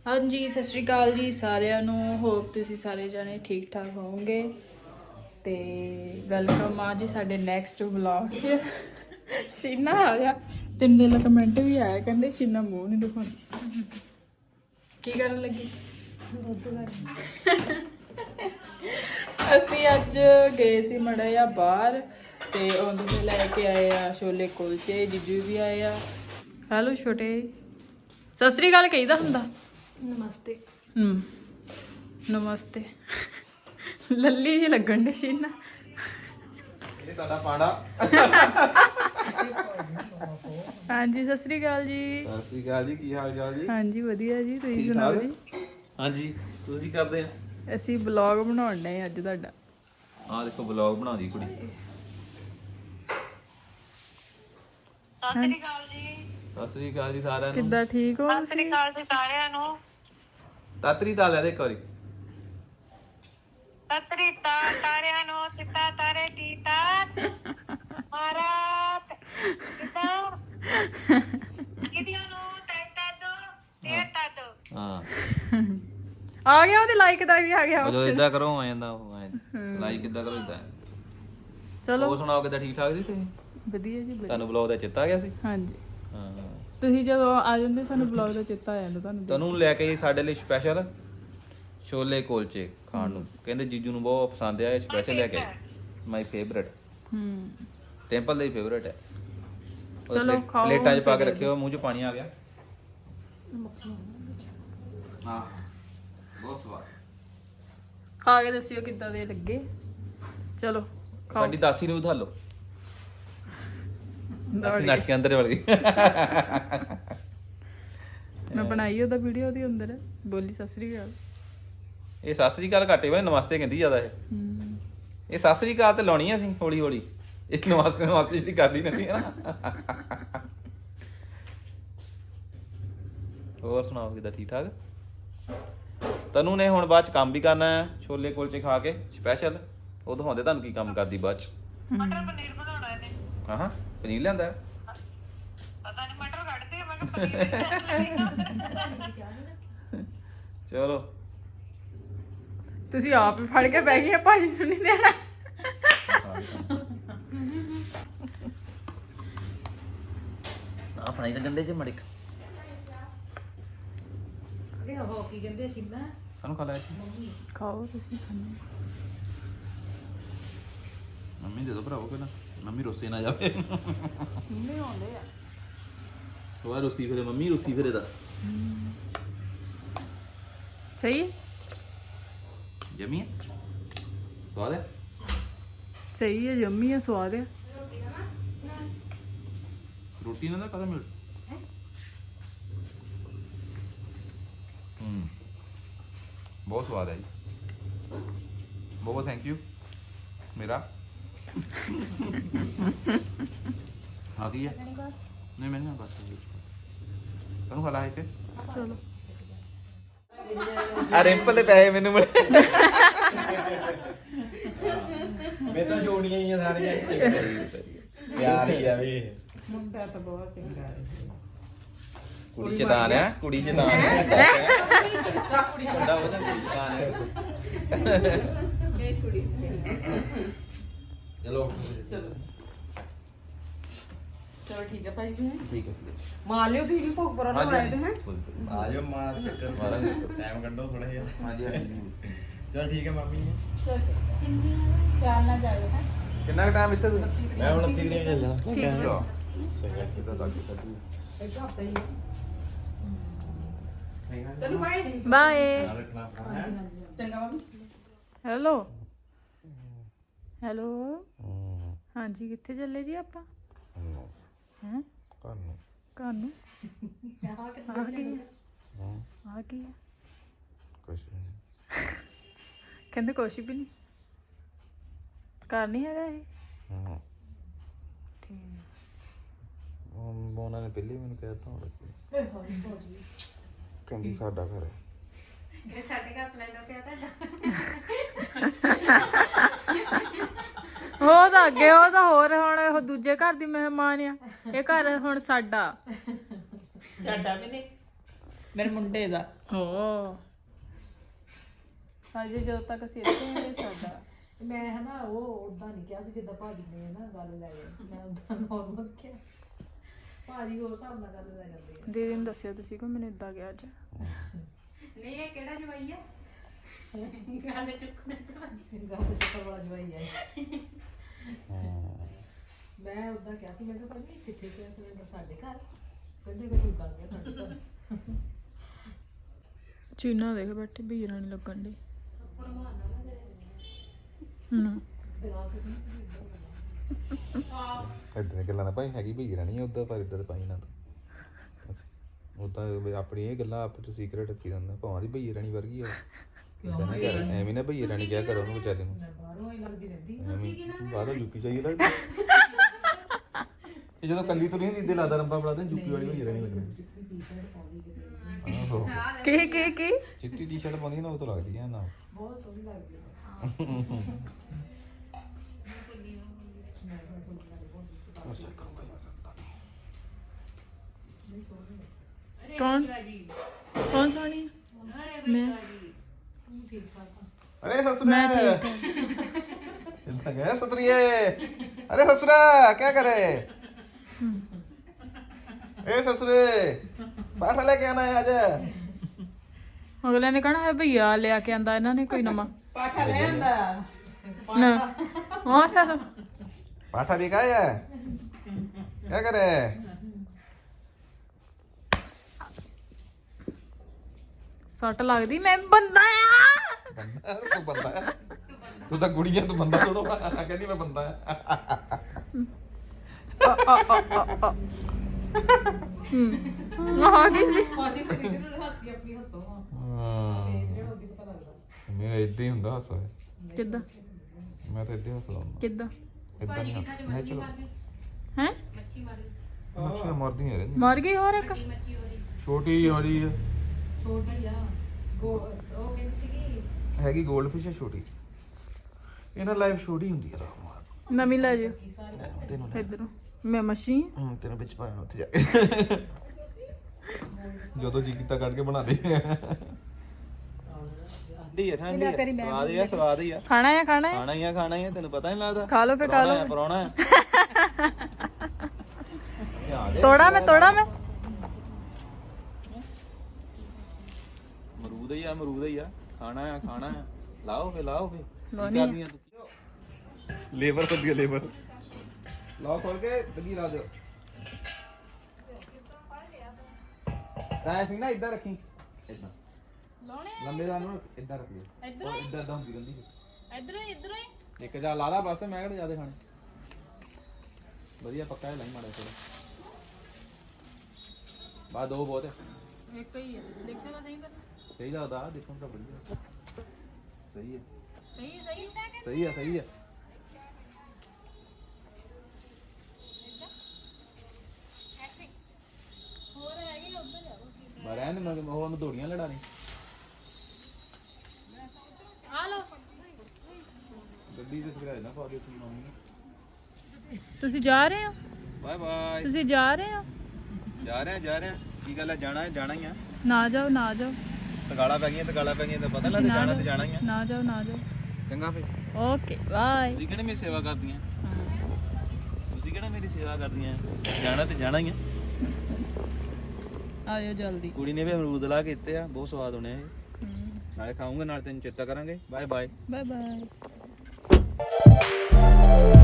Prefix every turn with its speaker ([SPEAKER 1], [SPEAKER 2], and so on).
[SPEAKER 1] हाँ जी सत श्री अकाल जी सारिਆਂ ਨੂੰ ਹੋਪ ਤੁਸੀਂ ਸਾਰੇ ਜਾਣੇ ਠੀਕ ਠਾਕ ਹੋਵੋਗੇ ਤੇ ਵੈਲਕਮ ਆ ਜੀ ਸਾਡੇ ਨੈਕਸਟ ਵਲੌਗ 'ਚ ਸ਼ੀਨਾ ਆ ਗਿਆ ਤਿੰਨ ਦਿਨ ਦਾ ਕਮੈਂਟ ਵੀ ਆਇਆ ਕਹਿੰਦੇ ਸ਼ੀਨਾ ਮੂੰਹ ਨਹੀਂ ਦਿਖਾਉਂਦੀ ਕੀ ਕਰਨ ਲੱਗੀ ਅਸੀਂ ਅੱਜ ਗਏ ਸੀ ਮੜਾ ਜਾਂ ਬਾਹਰ ਤੇ ਉਹਦੇ ਤੇ ਲੈ ਕੇ ਆਏ ਆ ਛੋਲੇ ਕੁਲਚੇ ਜੀਜੂ ਵੀ ਆਏ ਆ ਹੈਲੋ ਛੋਟੇ ਸਤਿ ਸ੍ਰੀ ਅਕਾਲ ਕਹੀਦਾ ਹੁੰਦਾ नमस्ते नमस्ते लल्ली जी लगन दे शीना
[SPEAKER 2] ये साडा पाड़ा
[SPEAKER 1] हाँ जी सत श्री अकाल जी
[SPEAKER 2] सत श्री अकाल जी की हाल चाल जी
[SPEAKER 1] हाँ जी वधिया जी तुसीं सुनाओ जी
[SPEAKER 2] हाँ जी ਤੁਸੀਂ ਕਰਦੇ ਆ
[SPEAKER 1] ਅਸੀਂ ਵਲੌਗ ਬਣਾਉਣ ਨੇ ਅੱਜ ਤੁਹਾਡਾ
[SPEAKER 2] ਆ ਦੇਖੋ ਵਲੌਗ ਬਣਾਉਂਦੀ ਕੁੜੀ
[SPEAKER 3] ਸਤਿ ਸ੍ਰੀ ਅਕਾਲ ਜੀ
[SPEAKER 2] ਸਤਿ ਸ੍ਰੀ ਅਕਾਲ ਜੀ ਸਾਰਿਆਂ ਨੂੰ
[SPEAKER 1] ਕਿੱਦਾਂ ਠੀਕ ਹੋ
[SPEAKER 3] ਸਤਿ ਸ੍ਰੀ ਅਕਾਲ ਜੀ ਸਾਰਿਆਂ ਨੂੰ
[SPEAKER 2] ਤਾਤਰੀ ਦਾ ਲੈ ਦੇ ਇੱਕ ਵਾਰੀ
[SPEAKER 3] ਸਤਰੀ ਤਾ ਤਾਰਿਆਂ ਨੂੰ ਸਿੱਤਾ ਤਾਰੇ ਟੀਤਾ ਮਾਰਾਤ ਸਿੱਤਾ ਕਿਦੀਆਂ ਨੂੰ ਟੈਟਾ ਦੋ ਟੇਟਾ ਦੋ
[SPEAKER 2] ਹਾਂ
[SPEAKER 1] ਆ ਗਿਆ ਉਹਦੇ ਲਾਈਕ ਦਾ ਵੀ ਆ ਗਿਆ
[SPEAKER 2] ਉਹ ਜੋ ਇਦਾਂ ਕਰੋ ਆ ਜਾਂਦਾ ਉਹ ਲਾਈਕ ਕਿੱਦਾਂ ਕਰੋ ਇਦਾਂ
[SPEAKER 1] ਚਲੋ
[SPEAKER 2] ਉਹ ਸੁਣਾਓ ਕਿੱਦਾਂ ਠੀਕ ਠਾਕ ਜੀ ਤੁਸੀਂ
[SPEAKER 1] ਵਧੀਆ ਜੀ ਵਧੀਆ
[SPEAKER 2] ਤੁਹਾਨੂੰ ਵਲੌਗ ਦਾ ਚੇਤਾ ਆ ਗਿਆ ਸੀ
[SPEAKER 1] ਹਾਂਜੀ
[SPEAKER 2] ਹਾਂ
[SPEAKER 1] ਤੁਸੀਂ ਜਦੋਂ ਆ ਜਾਂਦੇ ਸਾਨੂੰ ਵਲੌਗ ਦਾ ਚੇਤਾ ਆ ਜਾਂਦਾ
[SPEAKER 2] ਤੁਹਾਨੂੰ ਲੈ ਕੇ ਸਾਡੇ ਲਈ ਸਪੈਸ਼ਲ ਛੋਲੇ ਕੁਲਚੇ ਖਾਣ ਨੂੰ ਕਹਿੰਦੇ ਜੀਜੂ ਨੂੰ ਬਹੁਤ ਪਸੰਦ ਆ ਇਹ ਸਪੈਸ਼ਲ ਲੈ ਕੇ ਮਾਈ ਫੇਵਰਟ ਟੈਂਪਲ ਦਾ ਹੀ ਫੇਵਰਟ ਹੈ
[SPEAKER 1] ਚਲੋ ਖਾਓ
[SPEAKER 2] ਪਲੇਟਾਂ 'ਚ ਪਾ ਕੇ ਰੱਖਿਓ ਮੂੰਹ 'ਚ ਪਾਣੀ ਆ ਗਿਆ ਹਾਂ ਬਹੁਤ ਸਵਾਦ
[SPEAKER 1] ਖਾ ਕੇ ਦੱਸਿਓ ਕਿੱਦਾਂ ਦੇ ਲੱਗੇ ਚਲੋ ਖਾਓ
[SPEAKER 2] ਸਾਡੀ ਦਾਸੀ ਨੂੰ ਉਧਾ ਲਓ ਦਾਸੀ ਨੱਟ ਕੇ ਅੰਦਰ ਵੜ ਗਈ
[SPEAKER 1] ਮੈਂ ਬਣਾਈ ਉਹਦਾ ਵੀਡੀਓ ਉਹਦੇ ਅੰਦਰ ਬੋਲੀ ਸਤਿ ਸ੍ਰੀ ਅਕਾਲ
[SPEAKER 2] ਇਹ ਸਤਿ ਸ੍ਰੀ ਅਕਾਲ ਘਾਟੇ ਵਾਲੇ ਨਮਸਤੇ ਕਹਿੰਦੀ ਜ਼ਿਆਦਾ ਇਹ ਸਤਿ ਸ੍ਰੀ ਅਕਾਲ ਤੇ ਲਾਉਣੀ ਆ ਅਸੀਂ ਹੌਲੀ ਹੌਲੀ ਇੱਕ ਨਮਸਤੇ ਨਮਸਤੇ ਜਿਹੜੀ ਕਰਦੀ ਰਹਿੰਦੀ ਆ ਨਾ ਹੋਰ ਸੁਣਾਓ ਕਿੱਦਾਂ ਠੀਕ ਠਾਕ ਤਨੂੰ ਨੇ ਹੁਣ ਬਾਅਦ ਚ ਕੰਮ ਵੀ ਕਰਨਾ ਹੈ ਛੋਲੇ ਕੁਲਚੇ ਖਾ ਕੇ ਸਪੈਸ਼ਲ ਉਹ ਦਿਖਾਉਂਦੇ ਤੁਹਾਨੂੰ ਕੀ ਕੰਮ ਕਰਦੀ ਬਾਅਦ ਚ
[SPEAKER 3] ਮਟਰ ਪਨੀਰ ਬਣਾਉਣਾ ਇਹਨੇ
[SPEAKER 2] ਹਾਂ ਪਨੀਰ ਲਿਆਂਦਾ
[SPEAKER 3] ਪਤਾ ਨਹੀਂ ਮਟਰ ਕੱਢਦੇ ਆ ਮੈਂ ਕਿਹਾ ਪਨੀਰ
[SPEAKER 2] ਚਲੋ
[SPEAKER 1] ਤੁਸੀਂ ਆਪ ਹੀ ਫੜ ਕੇ ਬਹਿ ਗਏ ਭਾਜੀ ਨੂੰ ਨਹੀਂ ਦੇਣਾ
[SPEAKER 2] ਆ ਫੜਾਈ ਤਾਂ ਗੰਦੇ ਜੇ ਮੜਕ
[SPEAKER 4] ਇਹ ਹੋ ਕੀ ਕਹਿੰਦੇ ਸ਼ਿਮਲਾ
[SPEAKER 2] ਸਾਨੂੰ ਖਾ ਲੈ
[SPEAKER 1] ਖਾਓ ਤੁਸੀਂ ਖਾਣੇ
[SPEAKER 2] ਮੰਮੀ ਦੇ ਦੋ ਭਰਾਓ ਪਹਿਲਾਂ ਮੰਮੀ ਰੋਸੇ ਨਾ ਜਾਵੇ
[SPEAKER 1] ਨਹੀਂ ਆਉਂਦੇ ਆ
[SPEAKER 2] ਉਹ ਰੋਸੀ ਫਿਰੇ ਮੰਮੀ ਰੋਸੀ ਫਿਰੇ ਦਾ
[SPEAKER 1] ਸਹੀ
[SPEAKER 2] ਜਮੀ ਹੈ ਸਵਾਦ ਹੈ
[SPEAKER 1] ਸਹੀ ਹੈ ਜੰਮੀ ਹੈ ਸਵਾਦ ਹੈ
[SPEAKER 2] ਰੋਟੀ ਨਾਲ ਕਦੋਂ ਮਿਲ ਬਹੁਤ ਸਵਾਦ ਹੈ ਜੀ ਬਹੁਤ ਥੈਂਕ ਯੂ ਮੇਰਾ ਆ ਗਈ ਹੈ ਨਹੀਂ ਮੈਂ ਨਹੀਂ ਬਸ ਤੁਹਾਨੂੰ ਖਾ ਲਾ ਇੱਥੇ
[SPEAKER 1] ਚਲੋ
[SPEAKER 2] ਆ ਰਿੰਪਲ ਦੇ ਪੈਸੇ ਮੈਨੂੰ ਮਿਲੇ
[SPEAKER 5] ਮੈਂ ਤਾਂ ਛੋੜੀਆਂ ਹੀ ਆ ਸਾਰੀਆਂ ਪਿਆਰ ਹੀ ਆ ਵੀ
[SPEAKER 4] ਮੁੰਡਾ ਤਾਂ ਬਹੁਤ ਚੰਗਾ ਹੈ
[SPEAKER 2] ਕੁੜੀ ਚਤਾਨ ਆ ਕੁੜੀ ਚਤਾਨ ਮੁੰਡਾ ਉਹਦਾ ਕੁੜੀ ਚਤਾਨ ਹੈ
[SPEAKER 4] ਇਹ ਕੁੜੀ
[SPEAKER 5] ਚਲੋ
[SPEAKER 4] ਚਲੋ ਠੀਕ ਹੈ ਭਾਈ ਜੀ
[SPEAKER 2] ਠੀਕ ਹੈ
[SPEAKER 4] ਮਾਰ ਲਿਓ ਤੁਸੀਂ ਭੋਗ ਪਰਾ ਨੂੰ ਆਏ ਤੇ ਹੈ
[SPEAKER 5] ਆ ਜਾਓ ਮਾਂ ਚੱਕਰ ਮਾਰਾ ਟਾਈਮ ਕੱਢੋ ਥੋੜਾ ਜਿਹਾ
[SPEAKER 2] ਹਾਂਜੀ ਹਾਂਜੀ
[SPEAKER 5] ਚਲ ਠੀਕ ਹੈ ਮਾਮੀ ਜੀ
[SPEAKER 4] ਧਿਆਨ ਨਾਲ ਜਾਇਓ ਹੈ
[SPEAKER 2] ਕਿੰਨਾ ਟਾਈਮ ਇੱਥੇ ਤੂੰ
[SPEAKER 5] ਮੈਂ ਹੁਣ 30 ਦਿਨ ਚੱਲਣਾ
[SPEAKER 4] ਇੱਕ ਹਫਤਾ ਹੀ ਚਲੋ ਬਾਈ
[SPEAKER 1] ਬਾਏ
[SPEAKER 5] ਰੱਖਣਾ ਆਪਣਾ ਹੈ
[SPEAKER 4] ਚੰਗਾ ਮੰਮੀ
[SPEAKER 1] ਹੈਲੋ ਹੈਲੋ ਹਾਂਜੀ ਕਿੱਥੇ ਚੱਲੇ ਜੀ ਆਪਾਂ ਹੈ ਘਰ ਨੂੰ ਆ ਕੀ
[SPEAKER 2] ਕੁਛ
[SPEAKER 1] ਕਹਿੰਦੇ ਕੁਛ ਵੀ ਨਹੀਂ ਘਰ ਨਹੀਂ ਹੈਗਾ ਇਹ ਠੀਕ
[SPEAKER 2] ਉਹਨਾਂ ਨੇ ਪਹਿਲੇ ਮੈਨੂੰ ਕਹਿ ਦਿੱਤਾ ਹੁਣ ਕਹਿੰਦੀ ਸਾਡਾ ਘਰ ਹੈ
[SPEAKER 4] ਸਾਡੇ ਘਰ ਸਿਲੰਡਰ ਪਿਆ ਤੁਹਾਡਾ
[SPEAKER 1] ਉਹ ਤਾਂ ਅੱਗੇ ਉਹ ਤਾਂ ਹੋਰ ਹੁਣ ਉਹ ਦੂਜੇ ਘਰ ਦੀ ਮਹਿਮਾਨ ਆ ਇਹ ਘਰ ਹੁਣ ਸਾਡਾ
[SPEAKER 4] ਸਾਡਾ ਵੀ ਨਹੀਂ
[SPEAKER 1] ਮੇਰੇ ਮੁੰਡੇ ਦਾ ਹੋ ਅਜੇ ਜਦੋਂ ਤੱਕ ਅਸੀਂ ਇੱਥੇ ਆਏ ਸਾਡਾ
[SPEAKER 4] ਮੈਂ ਹਨਾ ਉਹ ਉਦਾਂ ਨਹੀਂ ਕਿਹਾ ਸੀ ਜਿੱਦਾਂ ਭਾਜੀ ਨੇ ਨਾ ਗੱਲ ਲੈ ਗਏ ਮੈਂ ਉਦਾਂ ਨਾਰਮਲ ਕਿਹਾ ਸੀ ਭਾਜੀ ਹੋਰ ਹਿਸਾਬ ਨਾਲ ਗੱਲ ਲੈ ਜਾਂਦੇ ਆ
[SPEAKER 1] ਦੀਦੀ ਨੂੰ ਦੱਸਿਆ ਤੁਸੀਂ ਕਿ ਮੈਨੂੰ ਇਦਾਂ ਗਿਆ ਅੱਜ
[SPEAKER 4] ਨਹੀਂ ਇਹ ਕਿਹੜਾ ਜਵਾਈ ਆ ਗੱਲ ਚੱਕਰ ਵਾਲਾ ਜਵਾਈ ਆ ਮੈਂ ਉਦਾਂ ਕਿਹਾ ਸੀ ਮੈਂ ਕਿਹਾ ਭਾਜੀ ਕਿੱਥੇ ਗਿਆ ਸਿਲੰਡਰ ਸਾਡੇ ਘਰ ਕਹਿੰਦੇ ਕਿ ਤੂੰ ਗੱਲ ਗਿਆ ਸਾਡੇ ਘਰ
[SPEAKER 1] ਚੀਨਾ ਦੇਖ ਬੈਠੇ ਵੀਰਾਂ ਨਹੀਂ ਲੱਗਣ ਦੇ
[SPEAKER 2] ਇਦਾਂ ਗੱਲਾਂ ਨਾ ਭਾਈ ਹੈਗੀ ਭਈ ਰਹਿਣੀ ਉਦਾਂ ਪਰ ਇਦਾਂ ਤਾਂ ਪਾਈ ਨਾ ਉਦਾਂ ਆਪਣੀ ਇਹ ਗੱਲਾਂ ਆਪ ਚ ਸੀਕ੍ਰੇਟ ਰੱਖੀ ਜਾਂਦਾ ਭਾਵਾਂ ਦੀ ਭਈ ਰਹਿਣੀ ਵਰਗੀ ਆ ਇਦਾਂ ਨਾ ਕਰ ਐਵੇਂ ਨਾ ਭਈ ਰਹਿਣੀ ਕਿਹਾ ਕਰੋ ਉਹਨੂੰ ਵਿਚਾਰੇ ਨੂੰ
[SPEAKER 4] ਬਾਹਰੋਂ ਹੀ ਲੱਗਦੀ ਰਹਿੰਦੀ
[SPEAKER 2] ਬਾਹਰੋਂ ਜੁੱਕੀ ਚਾਹੀਏ ਲੱਗਦੀ ਇਹ ਜਦੋਂ ਕੱਲੀ ਤੁਰੀ ਹੁੰਦੀ ਇੱਦੇ ਲਾਦਾ ਰੰਬਾ ਫੜਾ ਦੇ ਜੁੱਕੀ ਵਾਲੀ ਭਈ ਰਹਿਣੀ ਲੱਗਣੀ ਆਹੋ
[SPEAKER 1] ਕੀ
[SPEAKER 2] ਚਿੱਟੀ ਟੀ-ਸ਼ਰਟ ਪਾਉਂਦੀ ਨਾ ਉਹ ਤੋਂ ਲੱਗਦੀ ਆ ਨਾ
[SPEAKER 4] ਬਹੁਤ ਸੋਹਣੀ ਲੱਗਦੀ ਹੈ
[SPEAKER 1] ਕੌਣ ਕੌਣ ਸੋਣੀ ਮੈਂ
[SPEAKER 2] अरे ससुरा गया ससुरिये अरे ससुरा क्या करे ए ससुरे पाठा लेके आना है आज
[SPEAKER 1] ਅਗਲੇ ਨੇ ਕਹਣਾ ਹੈ ਭਈਆ ਲਿਆ ਕੇ ਆਂਦਾ ਇਹਨਾਂ ਨੇ ਕੋਈ ਨਵਾਂ
[SPEAKER 4] ਪਾਠਾ ਲੈ ਆਂਦਾ
[SPEAKER 1] ਨਾ ਹੋਰ
[SPEAKER 2] पाठा दिखाया क्या करे
[SPEAKER 1] ਸੱਟ ਲੱਗਦੀ ਮੈਂ ਬੰਦਾ ਆ
[SPEAKER 2] तू बंदा है तू तो गुड़िया तू बंदा थोड़ो कहती मैं बंदा है
[SPEAKER 1] ਆ ਗਈ ਸੀ
[SPEAKER 4] ਭਾਜੀ ਤੇਰੀ ਨੂੰ ਹਾਸੀ ਆਪਣੀ ਹੱਸੋ ਤੇ ਜਿਹੜਾ ਉਹਦੀ ਪਤਾ ਲੱਗਦਾ
[SPEAKER 2] मेरा इदा ही हुंदा हंसा
[SPEAKER 1] ਕਿੱਦਾਂ
[SPEAKER 2] मैं तो इदा ही हंसदा हुंदा
[SPEAKER 1] ਕਿੱਦਾਂ
[SPEAKER 2] इदा नहीं हंसदा चलो
[SPEAKER 1] ਹੈ
[SPEAKER 2] मच्छियां मरदी है
[SPEAKER 1] ਮਰ ਗਈ ਹੋਰ ਇੱਕ
[SPEAKER 2] छोटी हो रही है
[SPEAKER 4] ਛੋਟੀ ਆ ਉਹ ਕਹਿੰਦੀ ਸੀਗੀ
[SPEAKER 2] ਹੈਗੀ ਗੋਲਡਫਿਸ਼ ਹੈ ਛੋਟੀ ਇਹਨਾਂ ਲਾਈਫ ਛੋਟੀ ਹੁੰਦੀ ਹੈ ਰਾਮਾਰ
[SPEAKER 1] ਨਵੀਂ ਲੈ ਜਿਓ
[SPEAKER 2] ਤੈਨੂੰ
[SPEAKER 1] ਇਧਰੋਂ ਮੈਂ ਮੱਛੀ
[SPEAKER 2] ਤੈਨੂੰ ਵਿੱਚ ਪਾਇਆ ਉੱਥੇ ਜਾ ਕੇ ਜਦੋਂ ਜੀ ਕੀਤਾ ਕੱਢ ਕੇ ਬਣਾ ਦੇ ਠੰਡੀ ਹੈ ਸਵਾਦ ਹੀ ਆ ਸਵਾਦ ਹੀ ਆ
[SPEAKER 1] ਖਾਣਾ ਹੈ ਖਾਣਾ ਹੈ
[SPEAKER 2] ਖਾਣਾ ਹੀ ਆ ਤੈਨੂੰ ਪਤਾ ਨਹੀਂ ਲੱਗਦਾ
[SPEAKER 1] ਖਾ ਲਓ ਫੇ ਖਾ ਲਓ
[SPEAKER 2] ਪਰੋਣਾ ਹੈ
[SPEAKER 1] ਤੋੜਾ ਮੈਂ
[SPEAKER 2] ਅਮਰੂਦ ਹੀ ਆ ਖਾਣਾ ਆ ਲਾਓ ਫੇ ਕੀ ਕਰਦੀਆਂ ਤੂੰ ਲੇਬਰ ਕਰਦੀ ਲੇਬਰ ਲਾਓ ਖੋਲ ਕੇ ਦਗੀ ਲਾ ਦਿਓ ਤਾਂ ਸਿੰਘ ਨਾ ਇੱਧਰ ਰੱਖੀ ਇੱਦਾਂ
[SPEAKER 1] ਲਾਉਣੇ
[SPEAKER 2] ਲੰਬੇ ਦਾ ਨੂੰ ਇੱਧਰ ਰੱਖੀ ਇੱਧਰ ਹੁੰਦੀ ਰਹਿੰਦੀ
[SPEAKER 1] ਇਧਰੋਂ ਹੀ
[SPEAKER 2] ਇੱਕ ਜਾ ਲਾ ਲਾ ਬਸ ਮੈਂ ਕਿਹੜੇ ਜ਼ਿਆਦਾ ਖਾਣੇ ਵਧੀਆ ਪੱਕਾ ਹੈ ਲਾਈ ਮਾੜਾ ਥੋੜਾ ਬਾਅਦ ਦੋ ਬਹੁਤ ਹੈ
[SPEAKER 1] ਇੱਕ ਹੀ ਹੈ ਦੇਖੋ ਤਾਂ ਸਹੀ ਪਹਿਲਾਂ
[SPEAKER 2] ਸਹੀ ਲੱਗਦਾ ਦੇਖੋ ਤਾਂ ਵਧੀਆ ਸਹੀ ਹੈ
[SPEAKER 1] ਸਹੀ ਹੋਰ ਹੈਗੀ ਉੱਧਰ ਜਾਓ
[SPEAKER 2] ਮੈਂ ਰਹਿਣ ਦੇ ਮੈਂ ਉਹਨੂੰ ਦੌੜੀਆਂ ਲੜਾਣੀ
[SPEAKER 1] ਆ ਲਓ
[SPEAKER 2] ਗੱਡੀ ਤੇ ਸਿਗਰਟ ਨਾ ਪਾ ਦੇ ਤੂੰ ਮੰਮੀ
[SPEAKER 1] ਤੁਸੀਂ ਜਾ ਰਹੇ ਹੋ
[SPEAKER 2] ਬਾਏ ਬਾਏ
[SPEAKER 1] ਤੁਸੀਂ ਜਾ ਰਹੇ ਹੋ
[SPEAKER 2] ਜਾ ਰਹੇ ਆ ਕੀ ਗੱਲ ਹੈ ਜਾਣਾ ਹੀ ਆ
[SPEAKER 1] ਨਾ ਜਾਓ
[SPEAKER 2] ਤਗਾਲਾ ਪੈ ਗਈਆਂ ਤਾਂ ਪਤਾ ਲੱਗ ਜਾਣਾ ਹੀ ਆ
[SPEAKER 1] ਨਾ ਜਾਓ
[SPEAKER 2] ਚੰਗਾ ਫੇ
[SPEAKER 1] ਓਕੇ ਬਾਏ
[SPEAKER 2] ਤੁਸੀਂ ਕਿਹੜੇ ਮੇਰੀ ਸੇਵਾ ਕਰਦੀਆਂ ਤੁਸੀਂ ਕਿਹੜਾ ਮੇਰੀ ਸੇਵਾ ਕਰਦੀਆਂ ਜਾਣਾ ਹੀ ਆ
[SPEAKER 1] ਆਇਓ ਜਲਦੀ
[SPEAKER 2] ਕੁੜੀ ਨੇ ਵੀ ਅਮਰੂਦ ਲਾ ਕੇ ਦਿੱਤੇ ਆ ਬਹੁਤ ਸਵਾਦ ਹੋਣੇ ਆ ਇਹ ਨਾਲੇ ਖਾਊਂਗਾ ਨਾਲ ਤੈਨੂੰ ਚੇਤਾ ਕਰਾਂਗੇ ਬਾਏ ਬਾਏ
[SPEAKER 1] ਬਾਏ